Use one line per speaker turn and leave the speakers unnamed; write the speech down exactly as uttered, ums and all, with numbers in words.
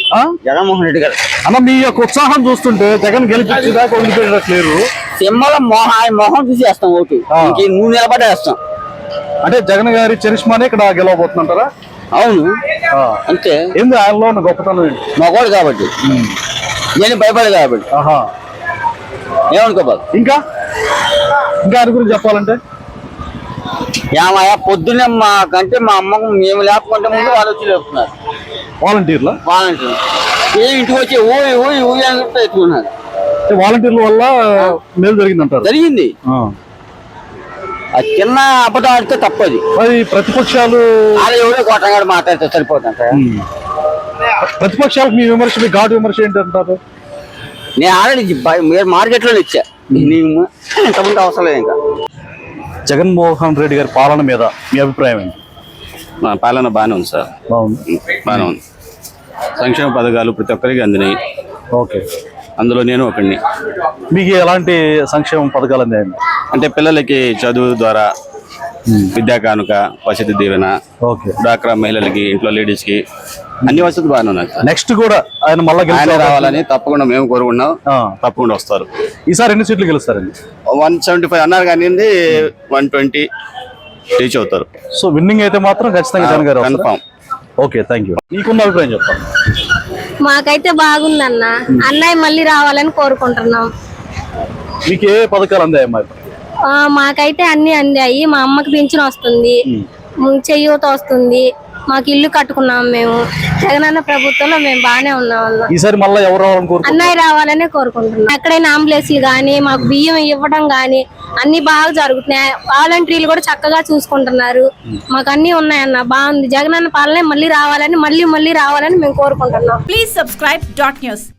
జగన్మోహన్ రెడ్డి గారు.
అన్న మీ యొక్క ఉత్సాహం చూస్తుంటే జగన్ గెలిపించేదాకా వదిలిపెట్టట్లేరు.
సింహలో మొహం ఆయన మొహం చూసి వేస్తాం ఓటు. నువ్వు నిలబడే వేస్తాం.
అంటే జగన్ గారి చరిష్మానే ఇక్కడ గెలవబోతుంటారా?
అవును అంతే.
ఏంది ఆయనలో ఉన్న గొప్పతనం?
మగవాడు కాబట్టి, నేను భయపడే కాబట్టి. ఏమనుకోబాదు.
ఇంకా ఇంకా ఆయన గురించి చెప్పాలంటే
ఏమయ్యా పొద్దున్నే మాకంటే మా అమ్మకు మేము లేకపోతే ముందు వాళ్ళు వచ్చి లేపుతున్నారు.
వాలంటీర్ల
వాలంటీర్లు ఏ ఇంటికి వచ్చి ఊయి ఊయి ఊయి అని చెప్తే ఎత్తుకున్నారు.
వాలంటీర్ల వల్ల మేలు జరిగిందంటారు.
జరిగింది. అది చిన్న అబద్ధం ఆడితే తప్పది.
మరి ప్రతిపక్షాలు
అలా ఎవరో కొట్టగాడు మాట్లాడితే సరిపోతుంట.
ప్రతిపక్షాలకు మీ విమర్శ, మీ ఘాటు విమర్శ ఏంటంటారు?
నేను ఆల్రెడీ మీరు మార్కెట్ లో ఇచ్చా. నీకు ఇంతకుముందు అవసరం లేదు. ఇంకా
జగన్మోహన్ రెడ్డి గారి పాలన మీద మీ అభిప్రాయం ఏంటి?
మా పాలన బాగానే ఉంది సార్.
బాగుంది.
బాగానే ఉంది. సంక్షేమ పథకాలు ప్రతి ఒక్కరికి అందినాయి.
ఓకే.
అందులో నేను ఒకడిని.
మీకు ఎలాంటి సంక్షేమ పథకాలు అందాయండి?
అంటే పిల్లలకి చదువు ద్వారా విద్యా కానుక, వసతి దీవెన, డ్వాక్రా మహిళలకి, ఇంట్లో లేడీస్ కి అన్ని వసతులు బాగానే ఉన్నాయి.
నెక్స్ట్ కూడా ఆయన మళ్ళీ
రావాలని తప్పకుండా మేము కోరుకున్నాం. తప్పకుండా వస్తారు.
ఈసారి ఎన్ని సీట్లు గెలుస్తారండి?
వన్ సెవెంటీ ఫైవ్ అన్నారు కానీ వన్ ట్వంటీ రీచ్ అవుతారు.
సో విన్నింగ్ అయితే మాత్రం ఖచ్చితంగా జగన్ గారు
కన్ఫామ్.
Okay, thank you. మీకున్న అభిప్రాయం చెప్పండి.
మాకైతే బాగుందన్న. అన్నయ్య మళ్ళీ రావాలని కోరుకుంటున్నాం.
మీకు ఏ పథకాలు అందాయమ్మా?
మాకైతే అన్ని అందాయి. మా అమ్మకి పింఛన్ వస్తుంది, చెయ్యూత వస్తుంది, మాకు ఇల్లు కట్టుకున్నాం. మేము జగనన్న ప్రభుత్వంలో మేము బాగానే ఉన్నాం అన్న.
ఈసారి మళ్ళీ ఎవరు రావాలని కోరుకుంటున్నారు?
అన్నయ్య రావాలనే కోరుకుంటున్నాం. ఎక్కడైనా అంబులెన్స్లు గానీ, మాకు బియ్యం ఇవ్వడం గానీ అన్ని బాగా జరుగుతున్నాయి. వాలంటీర్లు కూడా చక్కగా చూసుకుంటున్నారు. మాకు అన్ని ఉన్నాయన్న. బాగుంది. జగనన్న పాలనే మళ్ళీ రావాలని, మళ్ళీ మళ్ళీ రావాలని మేము కోరుకుంటున్నాం.
Please subscribe dot news.